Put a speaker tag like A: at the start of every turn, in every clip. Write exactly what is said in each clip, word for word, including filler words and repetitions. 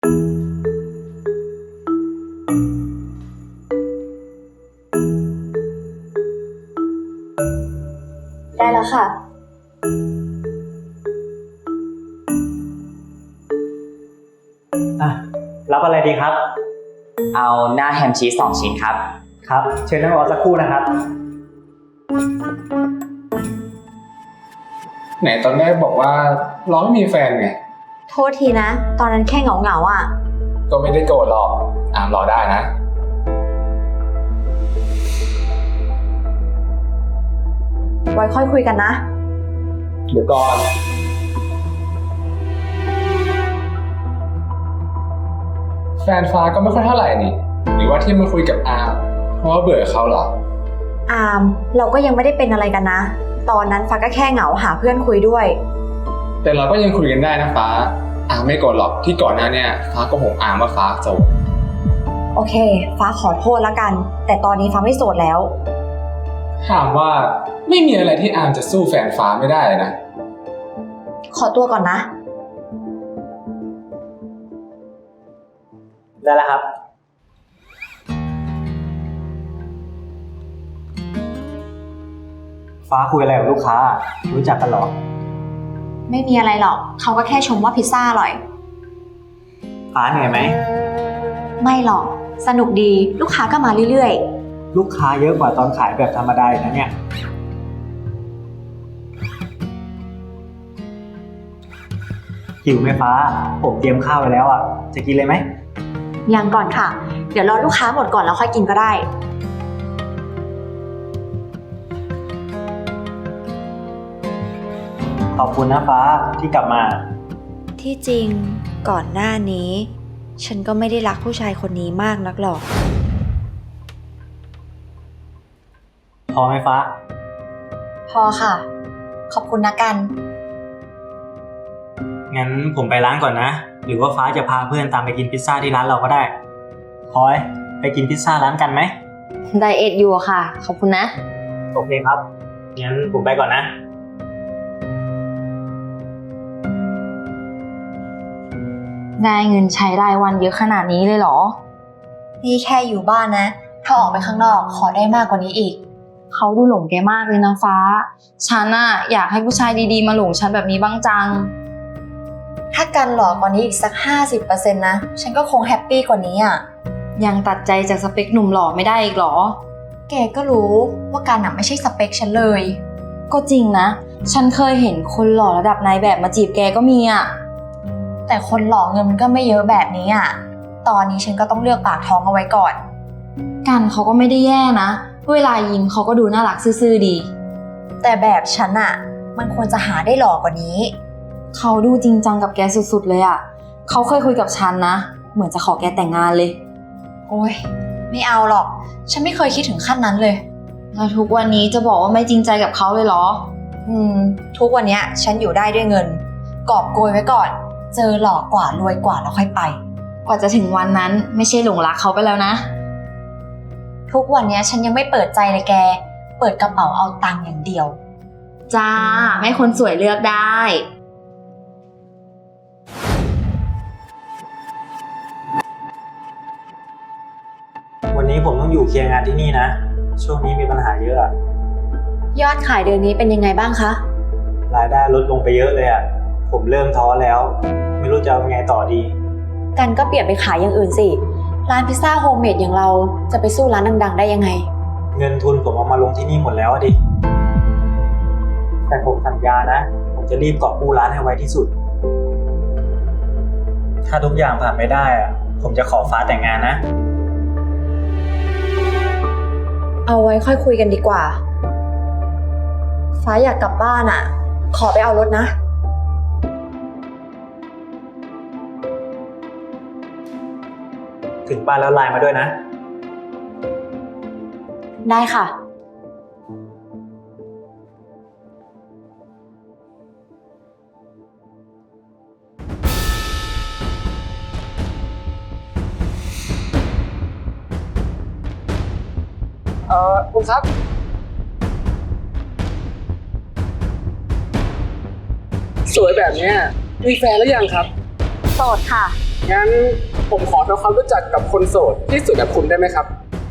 A: ได้แล้วค่ะ
B: อ่ะรับอะไรดีครับ
C: เอาหน้าแฮมชีสสองชิ้นครับ
B: ครับเชิญนั่งรอสักครู่นะครับ
D: ไหนตอนแรกบอกว่าร้องไม่มีแฟนไง
A: โทษทีนะตอนนั้นแค่เหงาเหงาอ่ะ
D: ก็ไม่ได้โกรธหรอกอามรอได้นะ
A: ไว้ค่อยคุยกันนะ
D: เดี๋ยวก่อนแฟนฟ้าก็ไม่ค่อยเท่าไหร่นี่หรือว่าที่มาคุยกับอามเพราะว่าเบื่อเขาเหรอ
A: อามเราก็ยังไม่ได้เป็นอะไรกันนะตอนนั้นฟ้าก็แค่เหงาหาเพื่อนคุยด้วย
D: แต่เราก็ยังคุยกันได้นะฟ้าอามไม่โกรธหรอกที่ก่อนหน้าเนี่ยฟ้าก็หงอามว่าฟ้าโสด
A: โอเคฟ้าขอโทษแล้วกันแต่ตอนนี้ฟ้าไม่โสดแล้ว
D: ถามว่าไม่มีอะไรที่อามจะสู้แฟนฟ้าไม่ได้นะ
A: ขอตัวก่อนนะ
B: ได้แล้วครับฟ้าคุยอะไรกับลูกค้ารู้จักกันหรอ
A: ไม่มีอะไรหรอกเขาก็แค่ชมว่าพิซซ่าอร่อย
B: ฟ้าเหนื่อยไหม
A: ไม่หรอกสนุกดีลูกค้าก็มาเรื่อย
B: ๆลูกค้าเยอะกว่าตอนขายแบบธรรมดานะเนี่ยหิวไหมฟ้าผมเตรียมข้าวไว้แล้วอ่ะจะกินเลยไหม
A: ยังก่อนค่ะเดี๋ยวรอลูกค้าหมดก่อนแล้วค่อยกินก็ได้
B: ขอบคุณนะฟ้าที่กลับมา
A: ที่จริงก่อนหน้านี้ฉันก็ไม่ได้รักผู้ชายคนนี้มากนักหรอก
B: พอไหมฟ้า
A: พอค่ะขอบคุณนะกัน
B: งั้นผมไปร้านก่อนนะหรือว่าฟ้าจะพาเพื่อนตามไปกินพิซซ่าที่ร้านเราก็ได้พลอยไปกินพิซซ่าร้านกันไหม
A: ไดเอทอยู่ค่ะขอบคุณนะ
B: โอเคครับงั้นผมไปก่อนนะ
A: ได้เงินใช้รายวันเยอะขนาดนี้เลยเหรอนี่แค่อยู่บ้านนะถ้าออกไปข้างนอกขอได้มากกว่านี้อีกเขาดูหลงแกมากเลยนะฟ้าฉันน่ะอยากให้ผู้ชายดีๆมาหลงฉันแบบนี้บ้างจังถ้ากันหล่อกว่านี้อีกสัก ห้าสิบเปอร์เซ็นต์ นะฉันก็คงแฮปปี้กว่านี้อ่ะยังตัดใจจากสเปคหนุ่มหล่อไม่ได้อีกหรอแกก็รู้ว่ากันน่ะไม่ใช่สเปคฉันเลยก็จริงนะฉันเคยเห็นคนหล่อระดับนายแบบมาจีบแกก็มีอ่ะแต่คนหล่อเงินมันก็ไม่เยอะแบบนี้อ่ะตอนนี้ฉันก็ต้องเลือกปากท้องเอาไว้ก่อนกันเขาก็ไม่ได้แย่นะเวลายิ้มเขาก็ดูน่ารักซื่อๆดีแต่แบบฉันอ่ะมันควรจะหาได้หล่อกว่านี้เขาดูจริงจังกับแกสุดๆเลยอ่ะเขาเคยคุยกับฉันนะเหมือนจะขอแกแต่งงานเลยโอ๊ยไม่เอาหรอกฉันไม่เคยคิดถึงขั้นนั้นเลยแล้วทุกวันนี้จะบอกว่าไม่จริงใจกับเขาเลยเหรออืมทุกวันนี้ฉันอยู่ได้ด้วยเงินกอบโกยไว้ก่อนเจอหล่อกว่ารวยกว่าแล้วค่อยไปกว่าจะถึงวันนั้นไม่ใช่หลงรักเขาไปแล้วนะทุกวันนี้ฉันยังไม่เปิดใจเลยแกเปิดกระเป๋าเอาตังค์อย่างเดียวจ้าไม่คนสวยเลือกได้
B: วันนี้ผมต้องอยู่เคลียร์งานที่นี่นะช่วงนี้มีปัญหาเยอะอะ
A: ยอดขายเดือนนี้เป็นยังไงบ้างคะ
B: รายได้ลดลงไปเยอะเลยอะผมเริ่มท้อแล้วไม่รู้จะเอาไงต่อดี
A: กันก็เปลี่ยนไปขายอย่างอื่นสิร้านพิซซ่าโฮมเมดอย่างเราจะไปสู้ร้านดังๆได้ยังไง
B: เงินทุนผมเอามาลงที่นี่หมดแล้วดิแต่ผมสัญญานะผมจะรีบกอบกู้ร้านให้ไวที่สุดถ้าทุกอย่างผ่านไม่ได้อะผมจะขอฟ้าแต่งงานนะ
A: เอาไว้ค่อยคุยกันดีกว่าฟ้าอยากกลับบ้านอ่ะขอไปเอารถนะ
B: ถึงบ้านแล้วไลน์มาด้วยนะ
A: ได้ค่ะ
D: เอ่อคุณครับสวยแบบนี้มีแฟนหรือยังครับ
A: โสดค่ะ
D: งั้นผมขอทำความรู้จักกับคนโสดที่สุดกับคุณได้ไหมครับ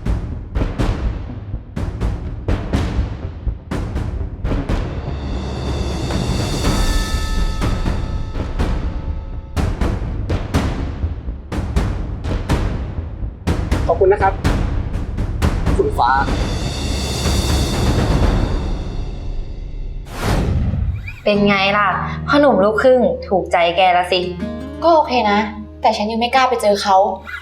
D: ขอบคุณนะครับ คุณฟ้า
A: เป็นไงล่ะพ่อหนุ่มลูกครึ่งถูกใจแกละสิ
E: ก็โอเคนะ แต่ฉันยังไม่กล้าไปเจอเขา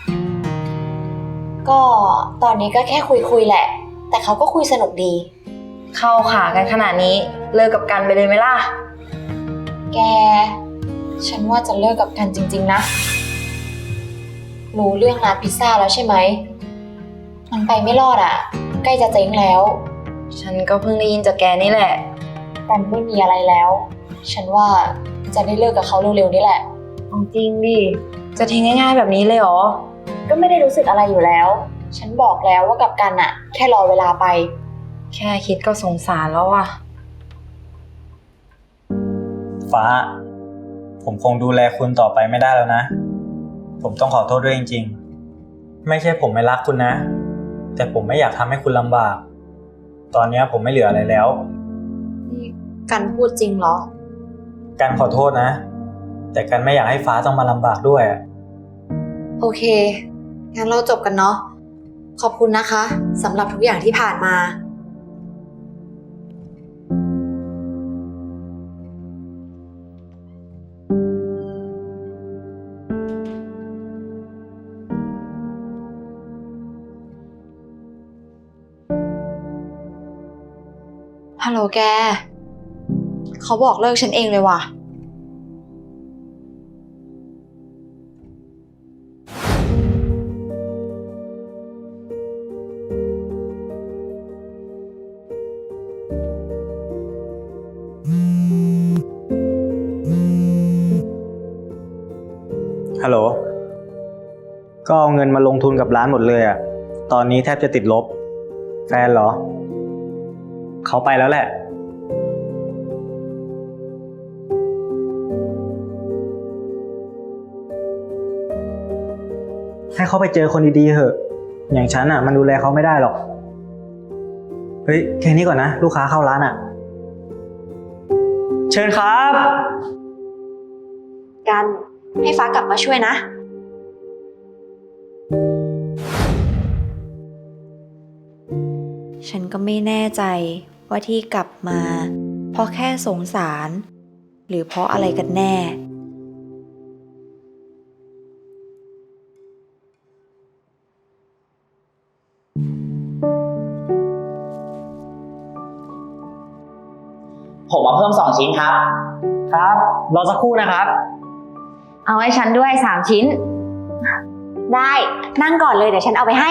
E: ก็ตอนนี้ก็แค่คุยคุยๆแหละ แต่เขาก็คุยสนุกดี
A: เข้าขากันขนาดนี้เลิกกับกันไปเลยไหมล่ะ
E: แก ฉันว่าจะเลิกกับกันจริงๆนะ รู้เรื่องร้านพิซซ่าแล้วใช่ไหม มันไปไม่รอดอ่ะ ใกล้จะเจ๊งแล้ว
A: ฉันก็เพิ่งได้ยินจากแกนี่แหละ
E: กันไม่มีอะไรแล้ว ฉันว่าจะได้เลิกกับเขาเร็วๆนี่แหละ
A: เอาจริงดิ จะทิ้งง่ายๆแบบนี้เลยเหรอ
E: ก็ไม่ได้รู้สึกอะไรอยู่แล้ว ฉันบอกแล้วว่ากับกันอะแค่รอเวลาไป
A: แค่คิดก็สงสารแล้วอ่ะ
B: ฟ้า ผมคงดูแลคุณต่อไปไม่ได้แล้วนะ ผมต้องขอโทษด้วยจริงๆ ไม่ใช่ผมไม่รักคุณนะ แต่ผมไม่อยากทำให้คุณลำบาก ตอนนี้ผมไม่เหลืออะไรแล้ว
E: นี่กันพูดจริงเหรอ
B: กันขอโทษนะ แต่กันไม่อยากให้ฟ้าต้องมาลำบากด้วยอะ
E: โอเค งั้นเราจบกันเนาะ ขอบคุณนะคะสำหรับทุกอย่างที่ผ่านมา ฮัลโหลแก เขาบอกเลิกฉันเองเลยว่ะ
B: ฮัลโหล ก็เอาเงินมาลงทุนกับร้านหมดเลยอะตอนนี้แทบจะติดลบ แฟนเหรอ เขาไปแล้วแหละ ให้เขาไปเจอคนดีๆเถอะ อย่างฉันอะมันดูแลเขาไม่ได้หรอก เฮ้ย แค่นี้ก่อนนะ ลูกค้าเข้าร้านอะเชิญครับ
E: กันให้ฟ้ากลับมาช่วยนะ ฉันก็ไม่แน่ใจว่าที่กลับมา เพราะแค่สงสาร หรือเพราะอะไรกันแน่
C: ผมมาเพิ่มสองชิ้นครับ
B: ครับ รอสักครู่นะครับ
A: เอาให้ฉันด้วยสามชิ้น
E: ได้นั่งก่อนเลยเดี๋ยวฉันเอาไปให้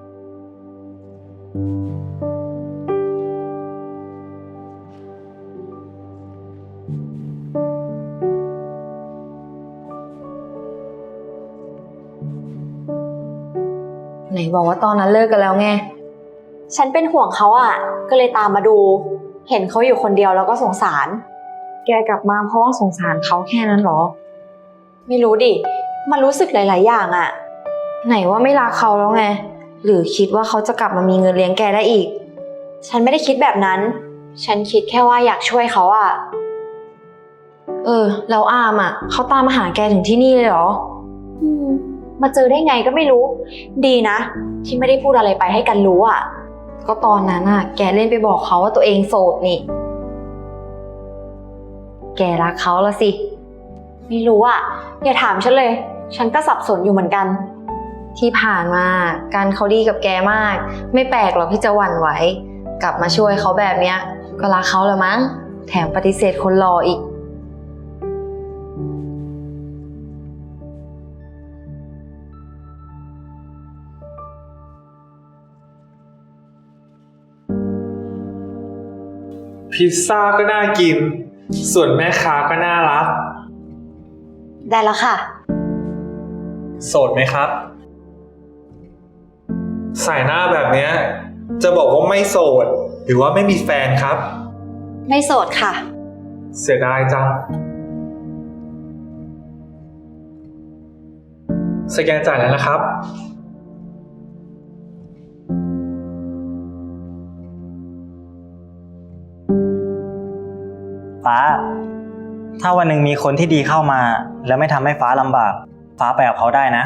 A: ไหนบอกว่าตอนนั้นเลิกกันแล้วไง
E: ฉันเป็นห่วงเขาอ่ะ ก็เลยตามมาดู เห็นเขาอยู่คนเดียวแล้วก็สงสาร
A: แกกลับมาเพราะว่าสงสารเขาแค่นั้นเหรอ
E: ไม่รู้ดิ มันรู้สึกหลาย ๆ อย่างอ่ะ
A: ไหนว่าไม่รักเขาแล้วไง หรือคิดว่าเขาจะกลับมามีเงินเลี้ยงแกได้อีก
E: ฉันไม่ได้คิดแบบนั้น ฉันคิดแค่ว่าอยากช่วยเขาอ่ะ
A: เออ แล้วอามอ่ะเขาตามมาหาแกถึงที่นี่เลยเหรอ
E: อืมมาเจอได้ไงก็ไม่รู้ ดีนะ ที่ไม่ได้พูดอะไรไปให้กันรู้อ่ะ
A: ก็ตอนนั้นอ่ะ แกเล่นไปบอกเขาว่าตัวเองโสดนี่ แกรักเขาละสิ
E: ไม่รู้อ่ะ อย่าถามฉันเลย ฉันก็สับสนอยู่เหมือนกัน
A: ที่ผ่านมาการเขาดีกับแกมาก ไม่แปลกหรอกที่จะหวั่นไหว กลับมาช่วยเขาแบบเนี้ย ก็รักเขาละมั้ง แถมปฏิเสธคนรออีก
D: พิซซ่าก็น่ากิน ส่วนแม่ค้าก็น่ารัก
E: ได้แล้วค่ะ
D: โสดไหมครับ ใส่หน้าแบบเนี้ยจะบอกว่าไม่โสด หรือว่าไม่มีแฟนครับ
E: ไม่โสดค่ะ
D: เสียดายจัง
F: สแกนจ่ายแล้วนะครับ
B: ฟ้า ถ้าวันหนึ่งมีคนที่ดีเข้ามา แล้วไม่ทำให้ฟ้าลำบาก ฟ้าไปกับเขาได้นะ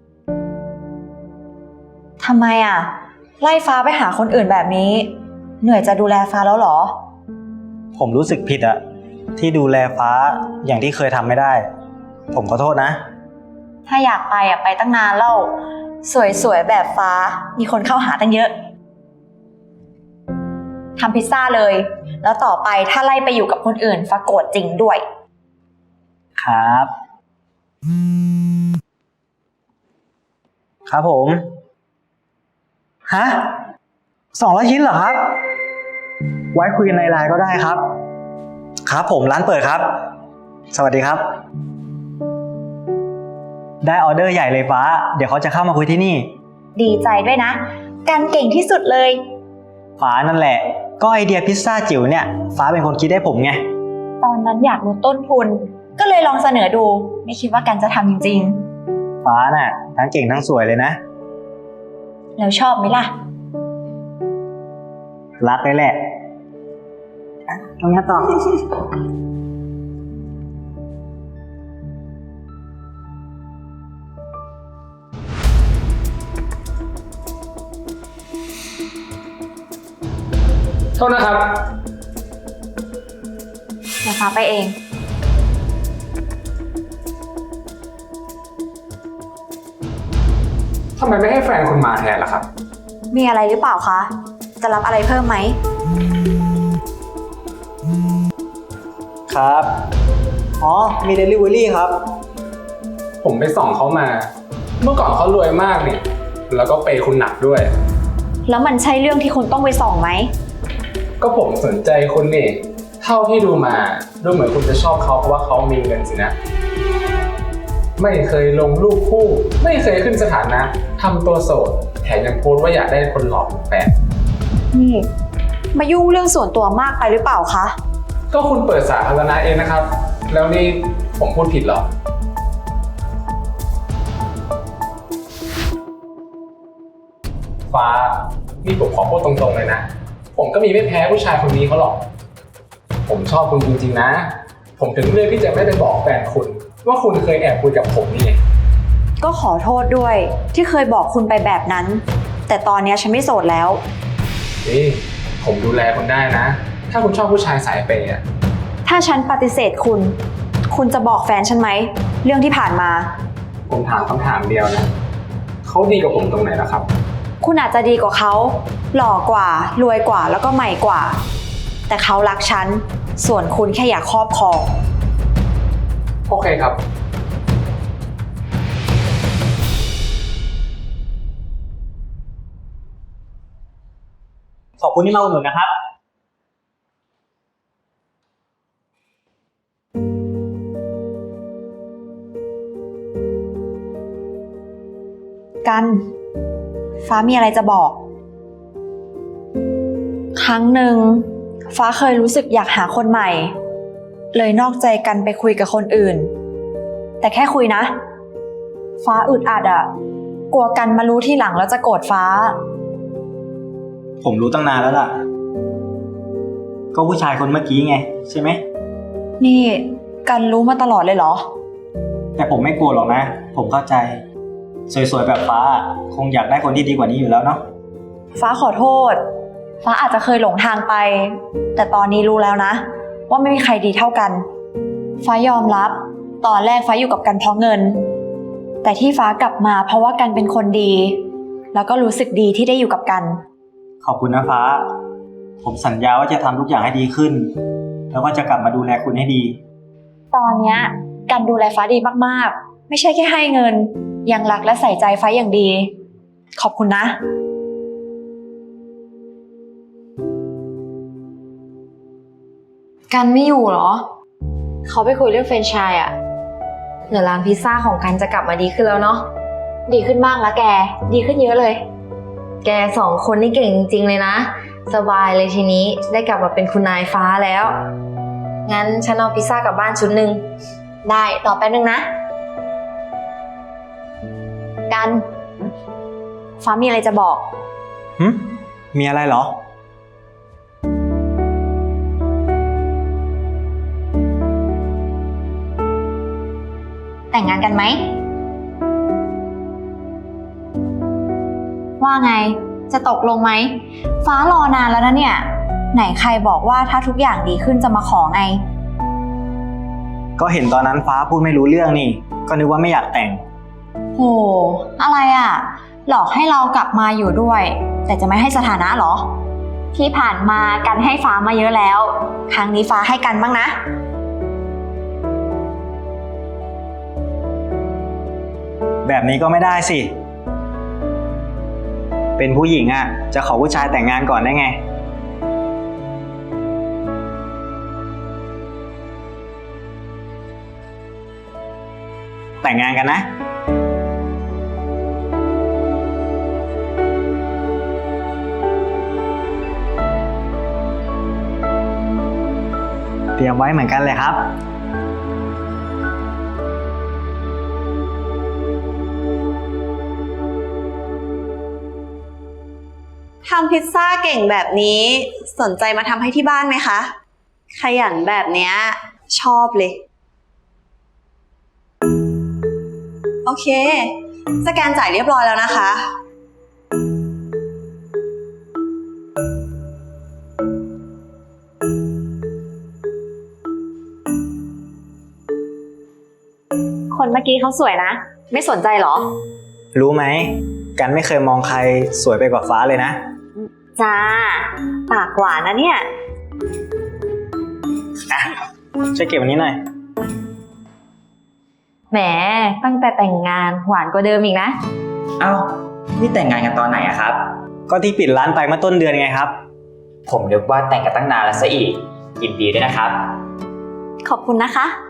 A: ทำไมอ่ะ ไล่ฟ้าไปหาคนอื่นแบบนี้ เหนื่อยจะดูแลฟ้าแล้วเหรอ
B: ผมรู้สึกผิดอะที่ดูแลฟ้าอย่างที่เคยทำไม่ได้ ผมขอโทษนะ
A: ถ้าอยากไปอ่ะไปตั้งนานแล้ว สวยๆแบบฟ้า มีคนเข้าหาตั้งเยอะทำพิซซ่าเลย แล้วต่อไปถ้าไล่ไปอยู่กับคนอื่นฟ้าโกรธจริงด้วย
B: ครับ ครับผม ฮะสองร้อยชิ้นเหรอครับ ไว้คุยกันในไลน์ก็ได้ครับ ครับผมร้านเปิดครับ สวัสดีครับ ได้ออเดอร์ใหญ่เลยฟ้า เดี๋ยวเขาจะเข้ามาคุยที่นี่
A: ดีใจด้วยนะ กันเก่งที่สุดเลย
B: ฟ้านั่นแหละ ก็ไอเดียพิซซ่าจิ๋วเนี่ย ฟ้าเป็นคนคิดให้ผมไง
A: ตอนนั้นอยากลดต้นทุน ก็เลยลองเสนอดู ไม่คิดว่ากันจะทำจริง
B: ฟ้าน่ะ ทั้งเก่งทั้งสวยเลยนะ
A: ๆ แล้วชอบไหมล่ะ
B: รักเลยแหละทำงานต่อ
D: โทษนะครับ
A: เดี๋ยวฟ้าไปเอง
D: ทำไมไม่ให้แฟนคุณมาแทนล่ะครับ
A: มีอะไรหรือเปล่าคะ จะรับอะไรเพิ่มไหม
B: ครับ อ๋อ มีเดลิเวอรี่ครับ
D: ผมไปส่องเขามา เมื่อก่อนเขารวยมากเนี่ย แล้วก็เปย์คุณหนักด้วย
A: แล้วมันใช่เรื่องที่คุณต้องไปส่องไหม
D: ก็ผมสนใจคุณนี่ เท่าที่ดูมาดูเหมือนคุณจะชอบเขาเพราะว่าเขามีเงินสินะ ไม่เคยลงรูปคู่ ไม่เคยขึ้นสถานะทำตัวโสด แถมยังโพสต์ว่าอยากได้คนหล่อเป็นแฟน
A: นี่ มายุ่งเรื่องส่วนตัวมากไปหรือเปล่าคะ
D: ก็คุณเปิดสาธารณะเองนะครับ แล้วนี่ผมพูดผิดเหรอ ฟ้า นี่ผมขอพูดตรงๆเลยนะ ผมก็มีไม่แพ้ผู้ชายคนนี้เขาหรอก ผมชอบคุณจริงๆนะ ผมถึงเลือกที่จะไม่ไปบอกแฟนคุณ ว่าคุณเคยแอบคุยกับผมนี่ไง
A: ก็ขอโทษด้วยที่เคยบอกคุณไปแบบนั้น แต่ตอนนี้ฉันไม่โสดแล้ว
D: นี่ผมดูแลคุณได้นะ ถ้าคุณชอบผู้ชายสายเปย์อะ
A: ถ้าฉันปฏิเสธคุณ คุณจะบอกแฟนฉันไหม เรื่องที่ผ่านมา
D: ผมถามคำถามเดียวนะ เขาดีกับผมตรงไหนล่ะครับ
A: คุณอาจจะดีกว่าเขา หล่อกว่า รวยกว่า แล้วก็ใหม่กว่า แต่เขารักฉัน ส่วนคุณแค่อยากครอบครอง
D: โอเคครับ
B: ขอบคุณที่มาอุดหนุนนะครับ
A: กัน ฟ้ามีอะไรจะบอก ครั้งหนึ่งฟ้าเคยรู้สึกอยากหาคนใหม่ เลยนอกใจกันไปคุยกับคนอื่น แต่แค่คุยนะ ฟ้าอึดอัดอะกลัวกันมารู้ที่หลังแล้วจะโกรธฟ้า
B: ผมรู้ตั้งนานแล้วล่ะ ก็ผู้ชายคนเมื่อกี้ไง ใช่ไหม
A: นี่กันรู้มาตลอดเลยเหรอ
B: แต่ผมไม่กลัวหรอกนะ ผมเข้าใจ สวยๆแบบฟ้า คงอยากได้คนที่ดีกว่านี้อยู่แล้วเนาะ
A: ฟ้าขอโทษ ฟ้าอาจจะเคยหลงทางไป แต่ตอนนี้รู้แล้วนะ ว่าไม่มีใครดีเท่ากัน ฟ้ายอมรับ ตอนแรกฟ้าอยู่กับกันเพราะเงิน แต่ที่ฟ้ากลับมาเพราะว่ากันเป็นคนดี แล้วก็รู้สึกดีที่ได้อยู่กับกัน
B: ขอบคุณนะฟ้า ผมสัญญาว่าจะทำทุกอย่างให้ดีขึ้น แล้วก็จะกลับมาดูแลคุณให้ดี
A: ตอนเนี้ยกันดูแลฟ้าดีมากๆ ไม่ใช่แค่ให้เงิน ยังรักและใส่ใจฟ้าอย่างดี ขอบคุณนะ
E: กันไม่อยู่เหรอ เขาไปคุยเรื่องแฟรนไชส์อะเดี๋ยวร้านพิซซ่าของกันจะกลับมาดีขึ้นแล้วเนาะ ดีขึ้นมากแล้วแก ดีขึ้นเยอะเลย แกสองคนนี่เก่งจริงๆเลยนะ สบายเลยทีนี้ได้กลับมาเป็นคุณนายฟ้าแล้ว งั้นฉันเอาพิซซ่ากลับบ้านชุดหนึ่งได้ ต่อแป๊บนึงนะ
A: ฟ้ามีอะไรจะบอก
B: หึมีอะไรเหรอ
A: แต่งงานกันไหม ว่าไง จะตกลงไหม ฟ้ารอนานแล้วนะเนี่ย ไหนใครบอกว่าถ้าทุกอย่างดีขึ้นจะมาขอไง
B: ก็เห็นตอนนั้นฟ้าพูดไม่รู้เรื่องนี่ ก็นึกว่าไม่อยากแต่ง
A: โห อะไรอ่ะ หลอกให้เรากลับมาอยู่ด้วย แต่จะไม่ให้สถานะเหรอ ที่ผ่านมากันให้ฟ้ามาเยอะแล้ว ครั้งนี้ฟ้าให้กันบ้างนะ
B: แบบนี้ก็ไม่ได้สิ เป็นผู้หญิงอ่ะ จะขอผู้ชายแต่งงานก่อนได้ไง แต่งงานกันนะ เตรียมไว้เหมือนกันเลยครับ
F: ทำพิซซ่าเก่งแบบนี้สนใจมาทำให้ที่บ้านไหมคะ ขยันแบบเนี้ยชอบเลย โอเค สแกนจ่ายเรียบร้อยแล้วนะคะ
A: คนเมื่อกี้เขาสวยนะ ไม่สนใจเหรอ
B: รู้ไหม กันไม่เคยมองใครสวยไปกว่าฟ้าเลยนะ
A: จ้า ปากหวานนะเนี่ย
B: ช่วยเก็บอันนี้หน่อย
A: แหม ตั้งแต่แต่งงานหวานกว่าเดิมอีกนะ
C: เอ้า นี่แต่งงานกันตอนไหนอะครับ
B: ก็ที่ปิดร้านไปเมื่อต้นเดือนไงครับ
C: ผมนึกว่าแต่งกันตั้งนานแล้วซะอีก ยินดีด้วยนะครับ
A: ขอบคุณนะคะ